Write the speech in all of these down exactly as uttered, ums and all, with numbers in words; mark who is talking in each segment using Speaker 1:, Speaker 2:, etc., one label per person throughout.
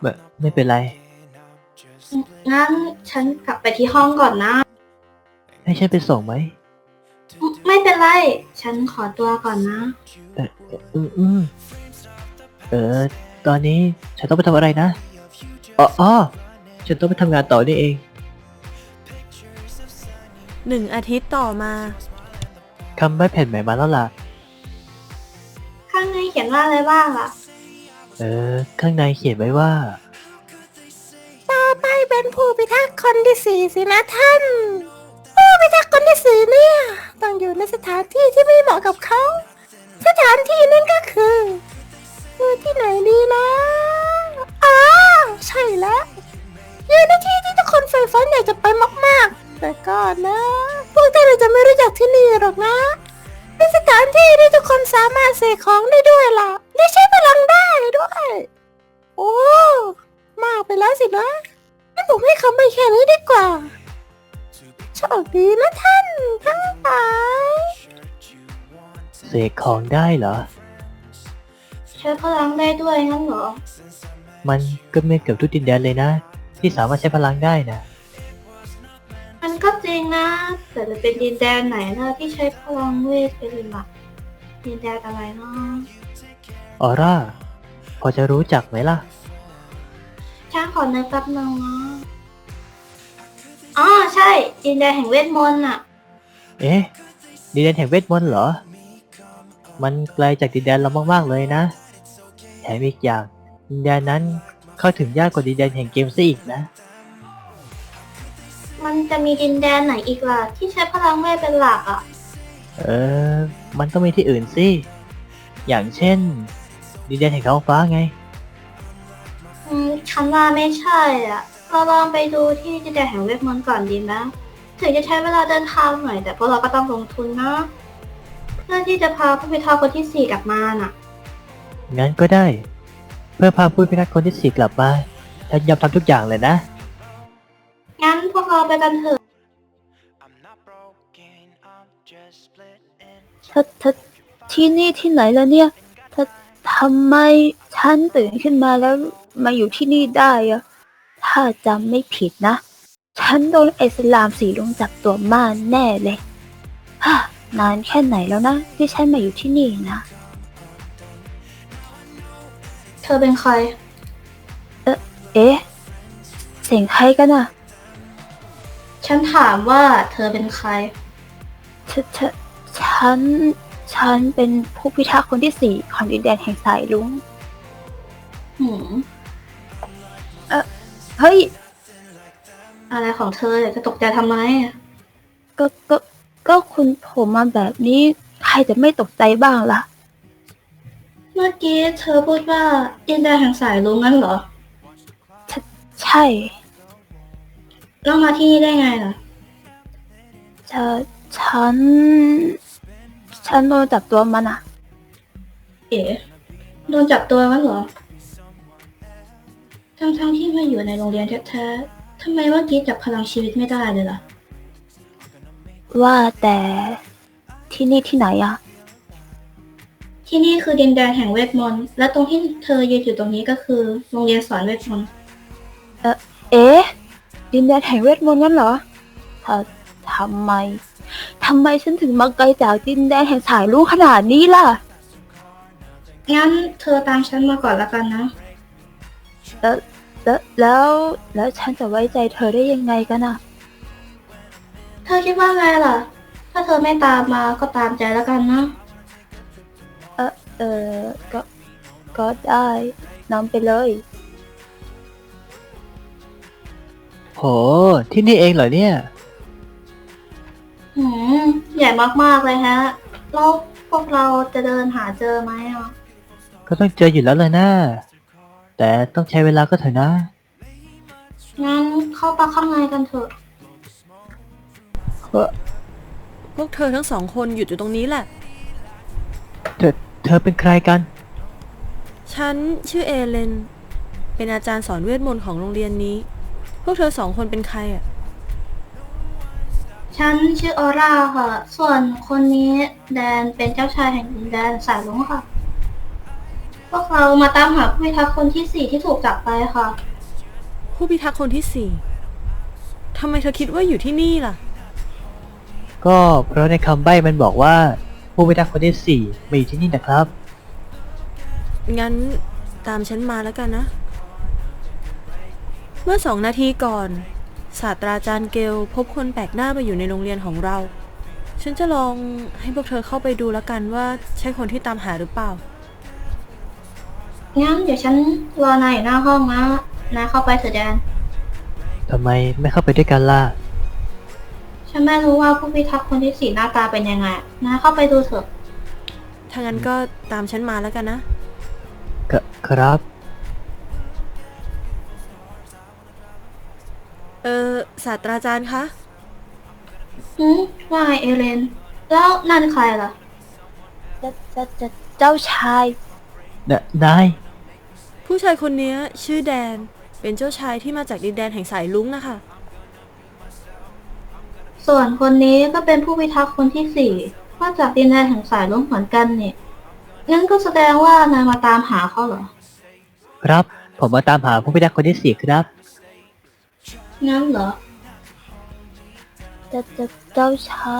Speaker 1: แบบไม่เป็นไร
Speaker 2: งั้นฉันกลับไปที่ห้องก่อนนะ
Speaker 1: ให้ฉันไปส่งไหม
Speaker 2: ไม่เป็นไรฉันขอตัวก่อนนะ
Speaker 1: แต่อืมอืมเออตอนนี้ฉันต้องไปทำอะไรนะอ๋ออ๋อฉันต้องไปทำงานต่อนี่เอง
Speaker 3: หนึ่งอาทิตย์ต่อมา
Speaker 1: คำใบ้แผ่นใหม่มาแล้วล่ะ
Speaker 2: ข้างในเขียนว่าอะไรบ้างล่ะ
Speaker 1: เออข้างในเขียนไว้ว่า
Speaker 3: ต่อไปเป็นผู้พิทักษ์คนที่สี่สินะท่านผู้พิทักษ์คนที่สี่เนี่ยต้องอยู่ในสถานที่ที่ไม่เหมาะกับเขาสถานที่นั้นก็คือคือที่ไหนดีนะอ๋อใช่แล้วอยู่ในที่ที่ทุกคนใฝ่ฝันอยากจะไปมากๆแต่ก่อนนะพวกท่านอาจจะไม่รู้จักที่นี่หรอกนะเป็นสถานที่ที่ทุกคนสามารถเสกของได้ด้วยล่ะได้ใช้พลังได้ด้วยโอ้มากไปแล้วสินะงั้นผมให้คำใบ้แค่นี้ดีกว่าโชคดีนะท่านทั้งหลาย
Speaker 1: เสกของได้เหรอ
Speaker 2: ใช้พลังได้ด้วยงั้นเหรอ
Speaker 1: มันก็ไม่เกือบทุกดินแดนเลยนะที่สามารถใช้พลังได้นะ
Speaker 2: มันก็จริงนะแต่จะเป็นดินแดนไหนนะที่ใช้พลังเวทเป็นหลักดินแดนอะไรเนาะ
Speaker 1: ออร่าพอจะรู้จักไหมล่ะ
Speaker 2: ฉันขอนึกแป๊บนึงนะอ๋อใช่ดินแดนแห่งเวทมนต์น่ะ
Speaker 1: เอ๊ะดินแดนแห่งเวทมนต์เหรอมันไกลจากดินแดนเรามากๆเลยนะแถมอีกอย่างดินแดนนั้นเข้าถึงยากกว่าดินแดนแห่งเกมซะอีกนะ
Speaker 2: มันจะมีดินแดนไหนอีกล่ะที่ใช้พลังเวทเป็นหลักอ่ะ
Speaker 1: เออมันต้องมีที่อื่นสิอย่างเช่นดินแดนแห่งท้องฟ้าไง
Speaker 2: อืมฉันว่าไม่ใช่อ่ะเราลองไปดูที่ดินแดนแห่งเวทมนต์ก่อนดีไหมถึงจะใช้เวลาเดินทางหน่อยแต่พวกเราก็ต้องลงทุนนะเพื่อที่จะพาผู้พิทักษ์คนที่สี่กลับมาน่ะ
Speaker 1: งั้นก็ได้เพื่อพาผู้พิทักษ์คนที่สี่กลับมาฉันยอมทำทุกอย่างเลยนะ
Speaker 2: งั้นพวกเราไปกันเถอะ
Speaker 4: ถ้าถ้าที่นี่ที่ไหนแล้วเนี่ยถ้าทำไมฉันตื่นขึ้นมาแล้วมาอยู่ที่นี่ได้อะถ้าจำไม่ผิดนะฉันโดนไอ้สลามสีลุงจับตัวมาแน่เลยฮ่านานแค่ไหนแล้วนะที่ฉันมาอยู่ที่นี่นะ
Speaker 2: เธอเป็นใคร
Speaker 4: เอ๊ะเอ๊ะเสียงใครกันอะ
Speaker 2: ฉันถามว่าเธอเป็นใคร
Speaker 4: ฉฉฉันฉันเป็นผู้พิทักษ์คนที่สี่ของดินแดนแห่งสายลุง
Speaker 2: หืม
Speaker 4: เออเฮ้ย
Speaker 2: อะไรของเธอจะตกใจทำไม
Speaker 4: ก็ก็ก็คุณผมมาแบบนี้ใครจะไม่ตกใจบ้างล่ะ
Speaker 2: เมื่อกี้เธอพูดว่าดินแดนแห่งสายลุงงั้นเหรอ
Speaker 4: ใชใช่
Speaker 2: แล้วมาที่นี่ได้ไงล่ะ
Speaker 4: จะฉันฉันโดนจับตัวมันอะ
Speaker 2: เอ๋โดนจับตัวงั้นเหรอทั้งทั้งที่มาอยู่ในโรงเรียนแท้ๆทำไมเมื่อกี้จับพลังชีวิตไม่ได้เลยล่ะ
Speaker 4: ว่าแต่ที่นี่ที่ไหนอะ
Speaker 2: ที่นี่คือดินแดนแห่งเวทมนต์และตรงที่เธอยืนอยู่ตรงนี้ก็คือโรงเรียนสอนเวทมนต์
Speaker 4: เออเอ๊ะดินแดนแห่งเวทมนต์งั้นเหรอถ้าทำไมทำไมฉันถึงมาไกลจากดินแดนแห่งสายลุงขนาดนี้ล่ะ
Speaker 2: งั้นเธอตามฉันมาก่อนละกันนะ
Speaker 4: แล้วแล้วแล้วแล้วฉันจะไว้ใจเธอได้ยังไงกันอะ
Speaker 2: เธอคิดว่าไงล่ะถ้าเธอไม่ตามมาก็ตามใจแล้วกันนะ
Speaker 4: เออเออก็ก็ได้นำไปเลย
Speaker 1: โหที่นี่เองเหรอเนี่ย
Speaker 2: หืมใหญ่มากๆเลยฮะแล้วพวกเราจะเดินหาเจอไหมอ่ะ
Speaker 1: ก็ต้องเจออยู่แล้วเลยนะแต่ต้องใช้เวลาก็เถอะนะ
Speaker 2: งั้นเข้าไปข้างในกันเถอะ
Speaker 3: พวกเธอทั้งสองคนหยุดอยู่ตรงนี้แหละ
Speaker 1: เธอเธอเป็นใครกัน
Speaker 3: ฉันชื่อเอเลนเป็นอาจารย์สอนเวทมนต์ของโรงเรียนนี้พวกเธอสองคนเป็นใครอ่ะ
Speaker 2: ฉันชื่อออร่าค่ะส่วนคนนี้แดนเป็นเจ้าชายแห่งดินแดนสายลุงค่ะ
Speaker 3: พ
Speaker 2: พวกเรามาตามหาผู้พิทักษ์คนที่สี่ที่ถูกจับไปค่ะ
Speaker 5: ผู้พิทักษ์คนที่สี่ทำไมเธอคิดว่าอยู่ที่นี่ล่ะ
Speaker 1: ก็เพราะในคำใบ้มันบอกว่าผู้พิทักษ์คนที่สี่มาอยู่ที่นี่นะครับ
Speaker 5: งั้นตามฉันมาแล้วกันนะ เมื่อสองนาทีก่อน ศาสตราจารย์เกลพบคนแปลกหน้ามาอยู่ในโรงเรียนของเรา ฉันจะลองให้พวกเธอเข้าไปดูแล้วกันว่าใช่คนที่ตามหาหรือเปล่า
Speaker 2: งั้นเดี๋ยวฉันรอนายอยู่หน้าห้องนะนายเข้าไปเถอะแดน
Speaker 1: ทำไมไม่เข้าไปด้วยกันล่ะ
Speaker 2: ฉันไม่รู้ว่าผู้พิทักษ์คนที่สี่หน้าตาเป็นยังไงนายเข้าไปดูเถอะ
Speaker 5: ถ้างั้นก็ตามฉันมาแล้วกันนะ
Speaker 1: กครับ
Speaker 5: เออศาสตราจารย์คะ
Speaker 2: หืมว่าไงเอเลน แล้วนั่นใครล่ะ
Speaker 4: จะจะจะเจ้าชาย
Speaker 1: นนาย
Speaker 5: ผู้ชายคนนี้ชื่อแดน เป็นเจ้าชายที่มาจากดินแดนแห่งสายลุ้งนะคะ
Speaker 2: ส่วนคนนี้ก็เป็นผู้พิทักษ์คนที่สี่มาจากดินแดนแห่งสายลุ้งเหมือนกันนี่งั้นก็แสดงว่านายมาตามหาเขาเหรอ
Speaker 1: ครับ ผมมาตามหาผู้พิทักษ์คนที่สี่ครับ
Speaker 2: งั้นเหรอ
Speaker 4: จะจะเจ้าชาย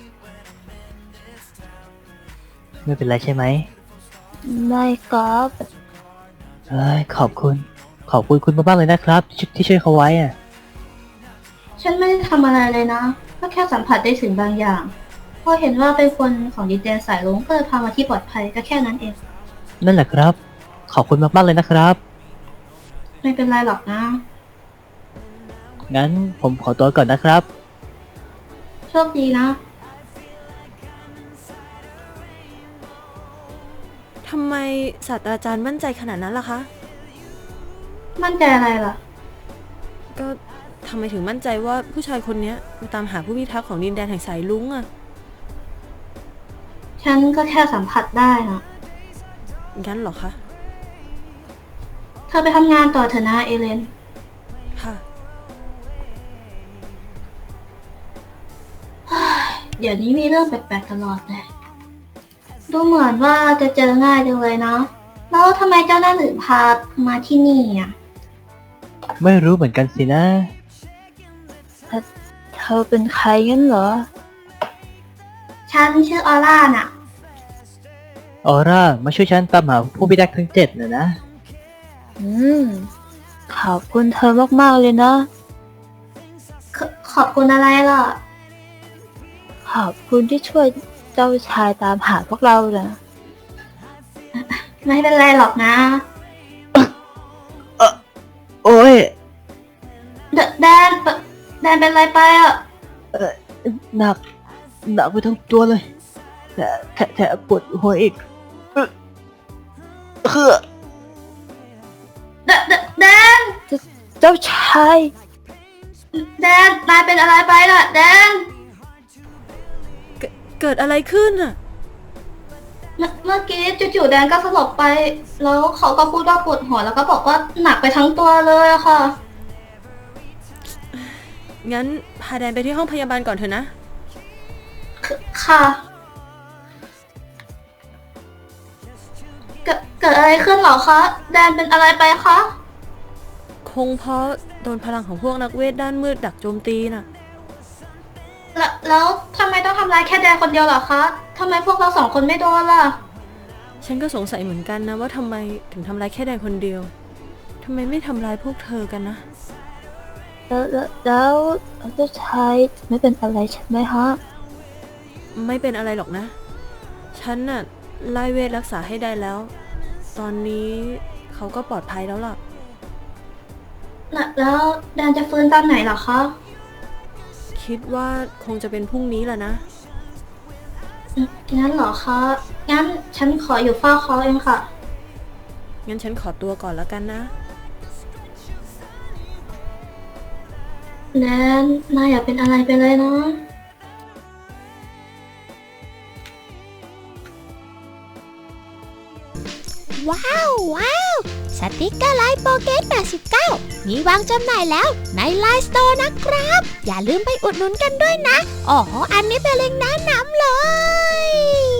Speaker 1: ไม่เป็นไรใช่ไหม
Speaker 4: ไม่ครับ
Speaker 1: เอ้ยขอบคุณ ขอบคุณคุณมากๆเลยนะครับที่ที่ช่วยเขาไว้อะ
Speaker 2: ฉันไม่ได้ทำอะไรเลยนะ ก็แค่สัมผัสได้ถึงบางอย่าง พอเห็นว่าเป็นคนของดินแดนสายลุ้งก็เลยพามาที่ปลอดภัยก็แค่นั้นเอง
Speaker 1: นั่นแหละครับ ขอบคุณมากๆเลยนะครับ
Speaker 2: ไม่เป็นไรหรอกนะ
Speaker 1: งั้นผมขอตัวก่อนนะครับ
Speaker 2: โชคดีนะ
Speaker 5: ทำไมศาสตราจารย์มั่นใจขนาดนั้นล่ะคะ
Speaker 2: มั่นใจอะไรล่ะ
Speaker 5: ก็ทำไมถึงมั่นใจว่าผู้ชายคนนี้มาตามหาผู้พิทักษ์ของดินแดนแห่งสายลุ้งอะ
Speaker 2: ฉันก็แค่สัมผัสได้นะ
Speaker 5: งั้นเหรอคะ
Speaker 2: เธอไปทำงานต่อเถอะนะเอเลน
Speaker 5: ค่ะ
Speaker 2: เดี๋ยวนี้มีเรื่องแปลกๆตลอดเลย ดูเหมือนว่าจะเจอง่ายจังเลยเนาะ แล้วทำไมเจ้าหน้าถึงพามาที่นี่อ่ะ
Speaker 1: ไม่รู้เหมือนกันสินะ
Speaker 4: เธอเป็นใครงั้นเหรอ
Speaker 2: ฉันชื่อออร่าน่ะ
Speaker 1: ออร่ามาช่วยฉันตามหาผู้พิทักษ์ทั้งเจ็ดนะนะ
Speaker 4: อืม ขอบคุณเธอมากๆเลยนะ
Speaker 2: ขขอบคุณอะไรล่ะ
Speaker 4: ขอบคุณที่ช่วยเจ้าชายตามหาพวกเรานะ
Speaker 2: ไม่เป็นไรหรอกนะ
Speaker 1: โอ้ย
Speaker 2: แดแดนแดนเป็นอะไรไปอ่ะ
Speaker 1: หนัก หนักไปทั้งตัวเลยแถมแถมแถมปวดหัวอีกเออเคือ
Speaker 2: แดแดแดน
Speaker 4: เจ้าชาย
Speaker 2: แดนนายเป็นอะไรไปล่ะ แดน
Speaker 5: เกิดเกิดอะไรขึ้นอะ
Speaker 2: เมื่อเมื่อกี้จู่ๆแดนก็สลบไป แล้วเขาก็พูดว่าปวดหัวแล้วก็บอกว่าหนักไปทั้งตัวเลยอะค่ะ
Speaker 5: งั้นพาแดนไปที่ห้องพยาบาลก่อนเถอะนะ
Speaker 2: ค่ะ เกิดเกิดอะไรขึ้นเหรอคะ แดนเป็นอะไรไปคะ
Speaker 5: คงเพราะโดนพลังของพวกนักเวทด้านมืดดักโจมตีน่ะ
Speaker 2: แล้วแล้วทำไมต้องทำร้ายแค่แดนคนเดียวเหรอคะทำไมพวกเราสองคนไม่โดนล่ะ
Speaker 5: ฉันก็สงสัยเหมือนกันนะว่าทำไมถึงทำร้ายแค่แดนคนเดียว ทำไมไม่ทำร้ายพวกเธอกันนะ
Speaker 4: แล้วแล้วแล้วเจ้าชายไม่เป็นอะไรใช่ไหมฮะ
Speaker 5: ไม่เป็นอะไรหรอกนะ ฉันน่ะไล่เวทรักษาให้ได้แล้ว ตอนนี้เขาก็ปลอดภัยแล้วล่ะ
Speaker 2: แล้วแล้วแดนจะฟื้นตอนไหนเหรอคะ
Speaker 5: คิดว่าคงจะเป็นพรุ่งนี้แหละนะ
Speaker 2: อืมงั้นเหรอคะ งั้นฉันขออยู่เฝ้าเขาเองค่ะ
Speaker 5: งั้นฉันขอตัวก่อนแล้วกันนะ
Speaker 2: แดนนายอย่าเป็นอะไรไปเลยนะ
Speaker 3: ว้าวว้าวสติกเกอร์ไลน์โปเกตแปดสิบเก้ามีวางจำหน่ายแล้วในไลน์สโตร์นะครับ อย่าลืมไปอุดหนุนกันด้วยนะอ๋ออันนี้เป็นเล็งก์แนะนำเลย